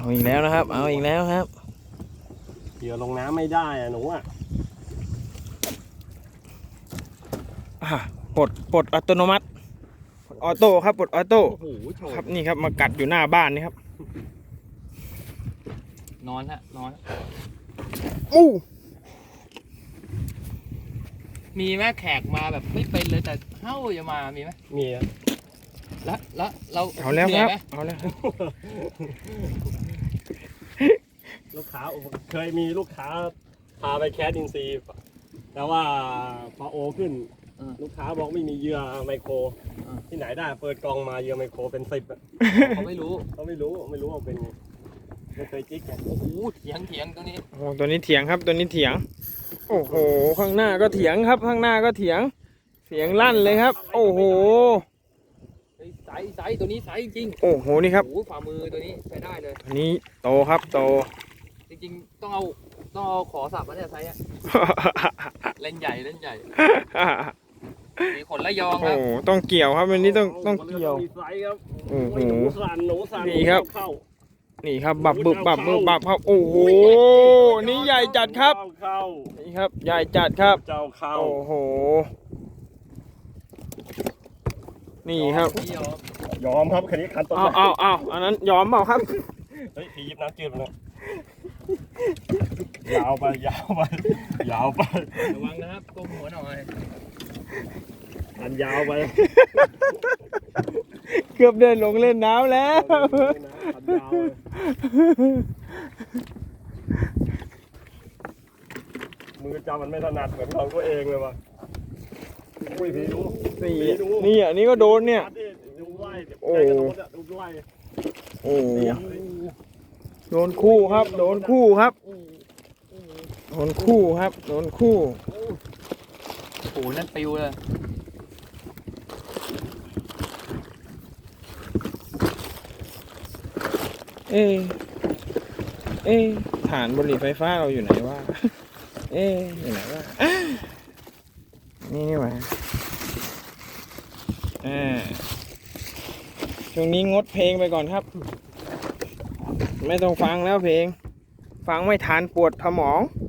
เอาอีกแล้วนะครับเอาอีกแล้วครับเหยื่อลงน้ำไม่ได้อะหนูอ่ะปลดอัตโนมัติออโต้ครับปลดออโต้โอ้โหโฉบครับนี่ครับมากัดอยู่หน้าบ้านนี่ครับนอนฮะนอนอู้มีแม่แขกมาแบบไม่เป็นเลยแต่เฮ้าจะมามีไหมมีอะแล้วเราเอาแล้วครับหนื่ยไหมเอาแล้วครับลูกค้าเคยมีลูกค้าพาไปแคสอินซีย์แต่ว่าพอโอขึ้น ลูกค้าบอกไม่มีเหยื่อไมโครที่ไหนได้เปิดกล่องมาเหยื่อไมโครเป็น10อะเขาไม่รู้เขาไม่รู้ว่าเป็นไงไม่เคยจิ๊กไงโอ้โหเถียงตัวนี้โอ้ตัวนี้เถียงครับตัวนี้เถียงโอ้โหข้างหน้าก็เถียงครับข้างหน้าก็เถียงเสียงลั่นเลยครับ โอ้โหไซส์ตัวนี้ไซส์จริงโอ้โหนี่ครับโอ้โหฝ่ามือตัวนี้ใช้ได้เลยตัวนี้โตครับโตจริงๆต้องเอาขอสับมาเนี่ยไซส์อะเล่นใหญ่มีขนระยองคโอ้รับโหต้องเกี่ยวครับวันนี้ต้องเกี่ยวมีไซส์ครับโอ้โหหนูสั่นนี่ครับเข้านี่ครับบับบึบครับโอ้โหนี่ใหญ่จัดครับเข้านี่ครับใหญ่จัดครับเจ้าเข้าโอ้โหนี่ครับไม่ยอมยอมครับคันนี้คันต้นเอาอันนั้นยอมเปล่าครับเฮ้ยพี่ยิบน้ำจืดมาเลยยาวไประวังนะครับก้มหัวหน่อยอันยาวไปเกือบเดินลงเล่นน้ำแล้วอันยาวเลยมือจำมันไม่ถนัดเหมือนของตัวเองเลยว่ะอุ้ยพี่ดูนี่อันนี้ก็โดนเนี่ยดูไล่โอ้ใจกระโดดอะดูไล่โอ้โดนคู่ครับโดนคู่ครับโดนคู่ครับโดนคู่โอ้โหนั่นปิวเลยเอ๊ะฐานบุหรี่ไฟฟ้าเราอยู่ไหนวะอยู่ไหนวะนี่หว่าช่วงนี้งดเพลงไปก่อนครับ ไม่ต้องฟังแล้วเพลง ฟังไม่ทันปวดสมอง